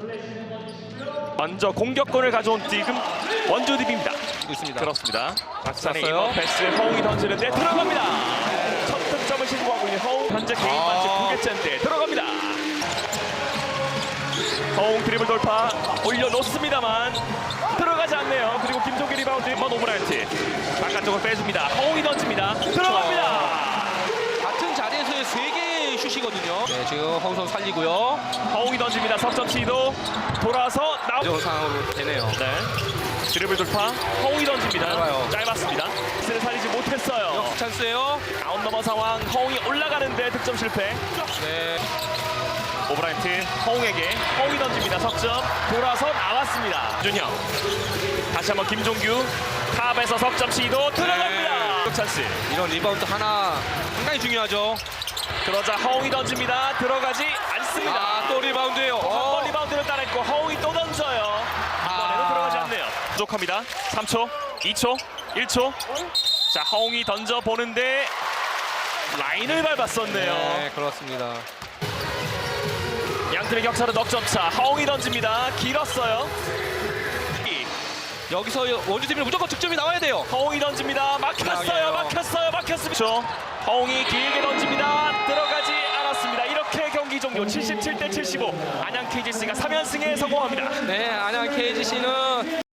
먼저 공격권을 가져온 지금 원주 DB입니다. 있습니다. 그렇습니다. 박찬의 쐈어요. 이번 패스 허웅이 던지는데 들어갑니다. 첫 득점을 신고하고 있는 허웅, 현재 개인 반칙 9개째인데 들어갑니다. 허웅 드리블 돌파 올려놓습니다만 들어가지 않네요. 그리고 김종기 리바운드 먼 오브라이트 바깥쪽으로 빼줍니다. 허웅이 던집니다. 들어갑니다. 같은 자리에서의 3개의 슛이거든요. 네, 지금 허웅 선수 살리고요. 허웅이 던집니다. 석점 시도 돌아서 이런 상황으로 되네요. 네. 드리블 돌파 허웅이 던집니다. 좋아요. 짧았습니다. 스를 살리지 못했어요. 역습 찬스예요. 아웃 넘어 상황 허웅이 올라가는데 득점 실패. 네. 오브라이트 허웅에게 허웅이 던집니다. 석점 돌아서 나왔습니다. 준형 다시 한번 김종규 탑에서 석점 시도 들어갑니다. 득 찬스. 이런 리바운드 하나 상당히 중요하죠. 그러자 허웅이 던집니다. 들어가지 않습니다. 아, 또 리바운드예요. 한 번 리바운드를 따냈고 허웅이 또 던져요. 이번에도 들어가지 않네요. 부족합니다. 3초, 2초, 1초. 자, 허웅이 던져 보는데 라인을 밟았었네요. 네, 그렇습니다. 양팀의 격차는 넉점차. 허웅이 던집니다. 길었어요. 여기서 원주팀은 무조건 득점이 나와야 돼요. 허웅이 던집니다. 막혔어요. 나가요. 막혔습니다. 허웅이 길게 던집니다. 들어가지 않았습니다. 이렇게 경기 종료. 77대 75. 안양 KGC가 3연승에 성공합니다. 네, 안양 KGC는